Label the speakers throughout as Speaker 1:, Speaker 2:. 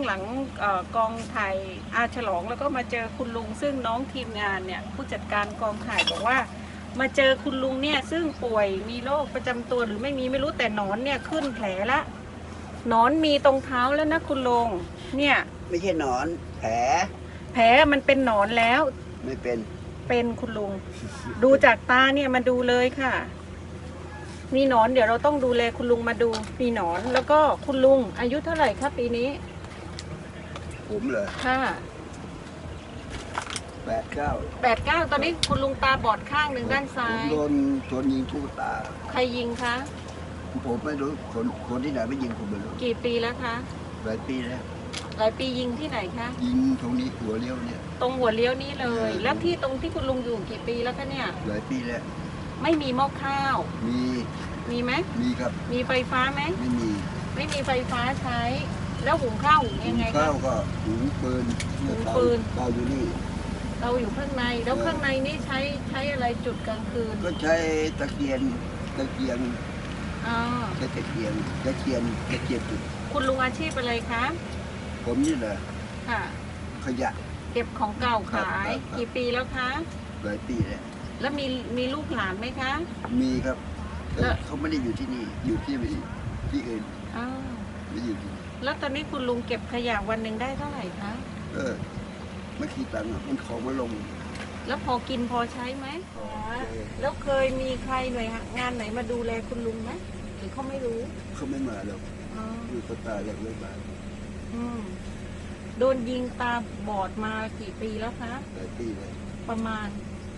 Speaker 1: องหลังกองถ่ายอาฉลองแล้วก็มาเจอคุณลุงซึ่งน้องทีมงานเนี่ยผู้จัดการกองถ่ายบอกว่ามาเจอคุณลุงเนี่ยซึ่งป่วยมีโรคประจำตัวหรือไม่มีไม่รู้แต่หนอนเนี่ยขึ้นแผลละหนอนมีตรงเท้าแล้วนะคุณลุงเนี่ย
Speaker 2: ไม่ใช่หนอนแผล
Speaker 1: มันเป็นหนอนแล้ว
Speaker 2: ไม่เป็น
Speaker 1: คุณลุงดูจากตาเนี่ยมาดูเลยค่ะมีหนอนเดี๋ยวเราต้องดูแลคุณลุงมาดูมีหนอนแล้วก็คุณลุงอายุเท่าไหร่ครับปีนี้
Speaker 2: ผมเหรอ
Speaker 1: ค่ะ89ตอนนี้คุณลุงตาบอดข้างหนึ่งด้านซ้าย
Speaker 2: ผมโดนยิงทุกตา
Speaker 1: ใครยิงคะ
Speaker 2: ผมไม่รู้คนที่ไหนไม่ยิงผมไม่รู้
Speaker 1: กี่ปีแล้วคะ
Speaker 2: หลายปีแล้ว
Speaker 1: หลายปียิงที่ไหนคะ
Speaker 2: ยิงตรงนี้หัวเลี้ยวเนี่ย
Speaker 1: ตรงหัวเลี้ยวนี้เลยแล้วที่ตรงที่คุณลุงอยู่กี่ปีแล้วคะเนี่ย
Speaker 2: หลายปีแล้ว
Speaker 1: ไม่มีหม้อข้าวมีไหม
Speaker 2: มีครับ
Speaker 1: มีไฟฟ้าไหม
Speaker 2: ไม่
Speaker 1: มีไฟฟ้าใช้แล้วหุงข้าวหุงยังไง
Speaker 2: ข้าวก็หุงปืนเตาอยู่นี่
Speaker 1: เราอยู่ข้างในแล้วข้างในนี่ใช้อะไรจุดกลางคืน
Speaker 2: ก็ใช้ตะเกียงใช้ตะเกียงจุด
Speaker 1: คุณลุงอาชีพอะไรคะ
Speaker 2: ผมนี่แหละ
Speaker 1: ค่ะ
Speaker 2: ขยะ
Speaker 1: เก็บของเก่าขายกี่ปีแล้วคะ
Speaker 2: หลายปีแล้ว
Speaker 1: มีลูกหลานไหมคะ
Speaker 2: มีครับเขาไม่ได้อยู่ที่นี่อยู่ที่อื่นไม่อยู่ที่
Speaker 1: แล้วตอนนี้คุณลุงเก็บขยะวันหนึ่งได้เท่าไหร่คะ
Speaker 2: ไม่คิดตังค์มันของมาลง
Speaker 1: แล้วพอกินพอใช้ไหมแล้วเคยมีใครหน่วยงานไหนมาดูแลคุณลุงไหมหรือเขาไม่รู้
Speaker 2: เขาไม่มาแล้วอยู่ก็ตายแล้วไม่มา
Speaker 1: โดนยิงตาบอดมากี่ปีแล้วคะ
Speaker 2: หลายปีเลย
Speaker 1: ประมาณ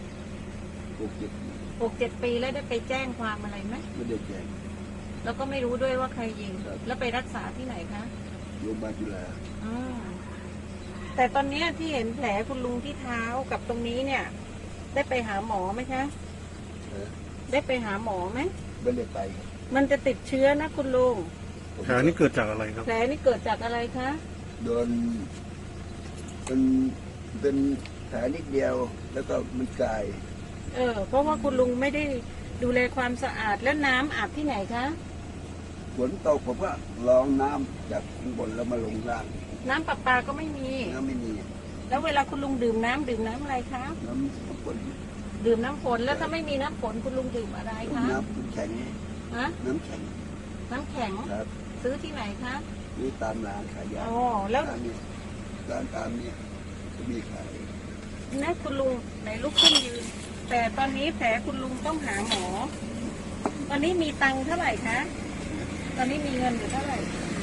Speaker 1: 6-7 ปีแล้วได้ไปแจ้งความอะไรไหม
Speaker 2: ไม่ได้แจ้ง
Speaker 1: แล้วก็ไม่รู้ด้วยว่าใครยิงแล้วไปรักษาที่ไหนคะ
Speaker 2: โรงพยาบาลจุฬา
Speaker 1: แต่ตอนนี้ที่เห็นแผลคุณลุงที่เท้ากับตรงนี้เนี่ย ได้ไปหาหมอไหมคะได้ไปหาหมอไหม
Speaker 2: ไม่ได้ไป
Speaker 1: มันจะติดเชื้อนะคุณลุง
Speaker 3: แผลนี่เกิดจากอะไรครับ
Speaker 1: แผลนี่เกิดจากอะไรคะ
Speaker 2: โดนเป็นแผลนิดเดียวแล้วก็มันกลาย
Speaker 1: เพราะว่าคุณลุงไม่ได้ดูแลความสะอาดแล้วน้ำอาบที่ไหนคะ
Speaker 2: ฝนตกผมก็ลองน้ำจากข้างบนแล้วมาลงล่าง
Speaker 1: น้ำประปาก็ไม่มีแล้วเวลาคุณลุงดื่มน้ำอะไรคะ
Speaker 2: น้ำฝน
Speaker 1: ดื่มน้ำฝนแล้วถ้าไม่มีน้ำฝนคุณลุงดื่มอะไรคะ
Speaker 2: น้ำแข็งน้ำแข็งครับ
Speaker 1: ซื้อที่ไหนคะ
Speaker 2: ซื้อตามร้านขายยา
Speaker 1: แล้ว
Speaker 2: ร้านตามนี้จะมีขาย
Speaker 1: นะคุณลุงไหนลุกขึ้นยืนแต่ตอนนี้แผลคุณลุงต้องหาหมอตอนนี้มีตังค์เท่าไหร่คะตอนนี้มีเงินอยู่เท่าไหร่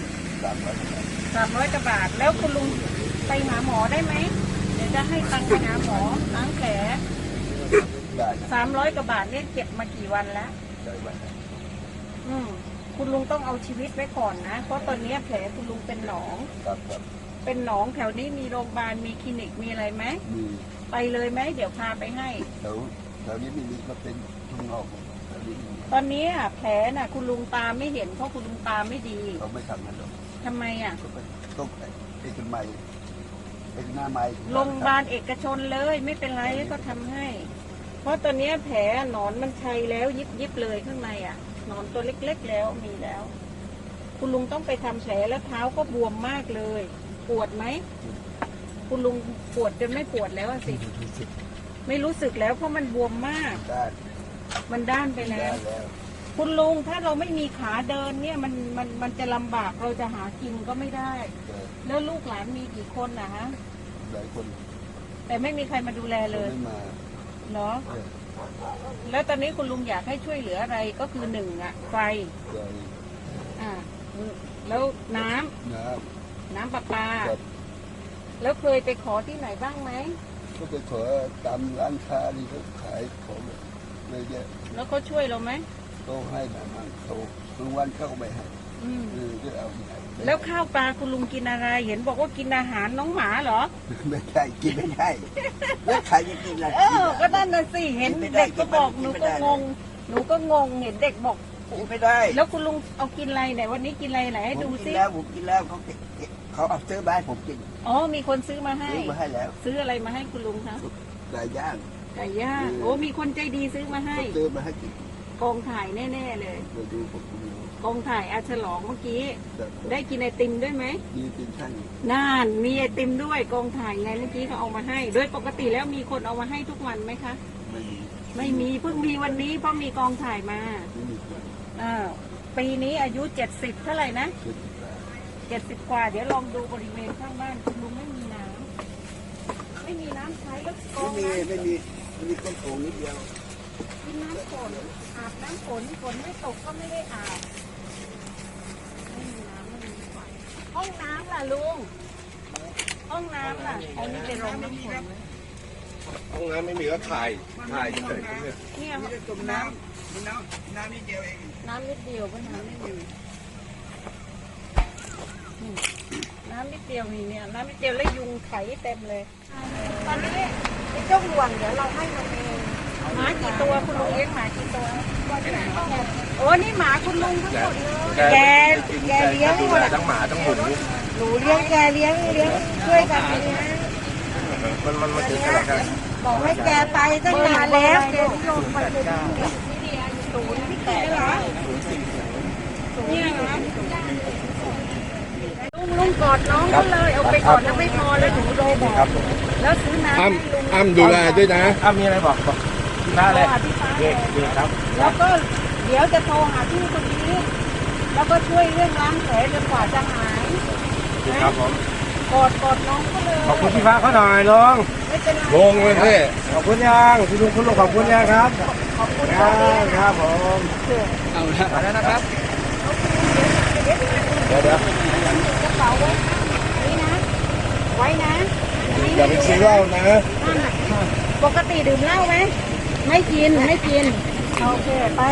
Speaker 1: 300 กว่าบาทแล้วคุณลุงไปหาหมอได้ไหมเดี๋ยวจะให้ตังค์ไปหาหมอล้างแผล300 กว่าบาทเนี่ยเก็บมากี่วันแล้วคุณลุงต้องเอาชีวิตไว้ก่อนนะเพราะตอนนี้แผลคุณลุงเป็นหนองเป็นหนองแถวนี้มีโรงพยาบาลมีคลินิกมีอะไรไหมไปเลยไหมเดี๋ยวพาไปให้
Speaker 2: แถวนี้ไม่มีก็เป็นทุ่งนอก
Speaker 1: ตอนนี้แผลน่ะคุณลุงตาไม่เห็นเพราะคุณลุงตาไม่ดี
Speaker 2: เขาไม่ทำนั่นหรอก
Speaker 1: ทำไม
Speaker 2: ต้องเอกมัยหน้าไม้
Speaker 1: โรงพยาบาลเอกชนเลยไม่เป็นไรก็ทำให้ เพราะตอนนี้แผลหนอนมันชัยแล้วยิบเลยข้างในหนอนตัวเล็กๆแล้วมีแล้ว คุณลุงต้องไปทำแผลแล้วเท้าก็บวมมากเลยปวดไหมคุณลุงปวดจนไม่ปวดแล้วสิไม่รู้สึกแล้วเพราะมันบวมมากมันด้านไปแล้วคุณลุงถ้าเราไม่มีขาเดินเนี่ยมันจะลำบากเราจะหากินก็ไม่ได้แล้วลูกหลานมีกี่คนนะฮะ
Speaker 2: หลายคน
Speaker 1: แต่ไม่มีใครมาดูแลเลยเนาะแล้วตอนนี้คุณลุงอยากให้ช่วยเหลืออะไรก็คือ1ไฟแล้วน้ำประปาแล้วเคยไปขอที่ไหนบ้างไหม
Speaker 2: ก็ไปขอตามร้านค้าที่เขาขายของเลยเยอะ
Speaker 1: แล้วเขาช่วยเราไหม
Speaker 2: เขาให้แบบนั้นเขาทุกวันเข้าไปให้ก็เอา
Speaker 1: แล้วข้าวปลาคุณลุงกินอะไรเห็นบอกว่ากินอาหารน้องหมาเหรอ
Speaker 2: ไม่ใช่กินไม่ได้แล้วใครจะกินอะไร
Speaker 1: ก็นั่นน่ะสิเห็นเด็กก็บอกหนูก็งงเห็นเด็กบอก
Speaker 2: กินไม่ได้
Speaker 1: แล้วคุณลุงเอากินอะไรไหนวันนี้กินอะไรไหนให้ดูซิ
Speaker 2: ผมกินแล้วเขาเอาซื้อมาให้ผมกิน
Speaker 1: มีคนซื้อมาให้
Speaker 2: แล้ว
Speaker 1: ซื้ออะไรมาให้คุณลุงคะ
Speaker 2: ไก่ย่าง
Speaker 1: มีคนใจดีซื้อมาให้
Speaker 2: กิน
Speaker 1: กองถ่ายแน่ๆเลย
Speaker 2: ดูผม
Speaker 1: กองถ่ายอาฉลองเมื่อกี้ ได้กินไอติมด้วยไหม
Speaker 2: มีกินช่าง
Speaker 1: น่านมีไอติมด้วยกองถ่ายไงเมื่อกี้เขาเอามาให้ โดยปกติแล้วมีคนเอามาให้ทุกวันไหมคะ
Speaker 2: ไม่มี
Speaker 1: ไม่มีเพิ่งมีวันนี้เพราะมีกองถ่ายมา
Speaker 2: ไม่มีคน
Speaker 1: ปีนี้อายุ70เท่าไหร่นะ
Speaker 2: คือ
Speaker 1: 70 กว่าเดี๋ยวลองดูบริเวณข้างบ้านคุณลุงไม่มีน้ำไม่มีน้ำใช้แล้วกองน้ำ
Speaker 2: ไม่มีต้นโอ่งนิดเดียว
Speaker 1: กินน้ำฝนอาบน้ำฝนฝนไม่ตกก็ไม่ได้อาบไม่มีน้ำไม่มีไฟห้องน้ำล่ะลุงห้องน้ำล่ะอันนี้เป็นโรงน้ำฝนไหม
Speaker 3: ห้องน้ำไม่มีก็ถ่ายเฉยๆเนี่ย
Speaker 1: เนี่ย
Speaker 2: ต้มน้ำนิดเดียวเอง
Speaker 1: น้ำนิดเดียวก็น้ำนิดเดียวนี่น้ำนิดเดียวนี่เนี่ยน้ำนิดเดียวแล้วยุงไถเต็มเลย ตอนนี้ไอ้เจ้าห่วงเดี๋ยวเราให้มันเองหมากี่ตัวคุณลุงเลี้ยงหมากี่ตัวโอ้นี่หมาคุณลุงทั้งหมดเลยแกเลี้ยง
Speaker 3: ดู
Speaker 1: หมด
Speaker 3: แล
Speaker 1: อะ
Speaker 3: ทั้งหมาทั้งหมู
Speaker 1: หนูเลี้ยงแกเลี้ยงช่วยกันเลี้ยง
Speaker 3: มันถึงขนาดนั้น
Speaker 1: บอกให้แกไปตั้งนานแล้วแกนิยมไปเลยศูนย์ที่แกเหรอเนี่ยเหรอลุงกอดน้องเขาเลยเอาไปก่อนแล้วไม่พอแล้วหนูโดนบอกแล้วซื้อน้ำให้ลุง
Speaker 3: อ้ำดูแลด้วยนะอ้ำมีอะไรบอกพี่ฟ้าเลย
Speaker 1: โทรหาพี่ฟ้าเลย
Speaker 3: เด็กครับ
Speaker 1: แล้วก็เดี๋ยวจะโทรหาพี่คนนี้ แล้วก็ช่วยเรื่องล้างแผลจนกว่าจะหาย
Speaker 3: ครับผม
Speaker 1: กอดน้องเขาเลย
Speaker 3: ขอบคุณพี่ฟ้าเขาหน่อยลุง
Speaker 1: ไม่เป็นไร
Speaker 3: งงเลยพี่ขอบคุณยังพี่ลุงคุณลุงขอบคุณยังครับ
Speaker 1: ขอบคุณ
Speaker 3: ค
Speaker 1: เขา
Speaker 3: รับ
Speaker 1: เลี้ยง
Speaker 3: ครับผม
Speaker 2: เอาละ
Speaker 3: มาแล้วนะครับ
Speaker 1: เดี๋ยว
Speaker 3: เดี๋ยว
Speaker 1: กระเป๋าไว้นี่นะ ไว้นะนนี้
Speaker 3: อย่าไปซื้อเหล้านะ
Speaker 1: ปกติดื่มเหล้าไหมไม่กินโอเคไป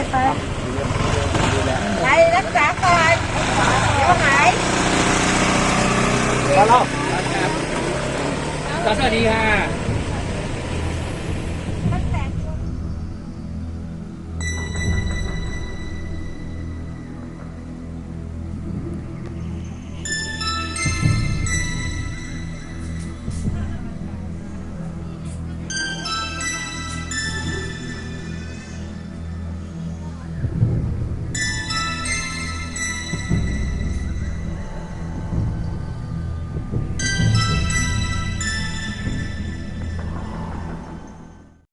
Speaker 1: ไปรักษาก่อนเดี๋ยวหาย
Speaker 3: แล้ว
Speaker 2: สวัสดีค่ะ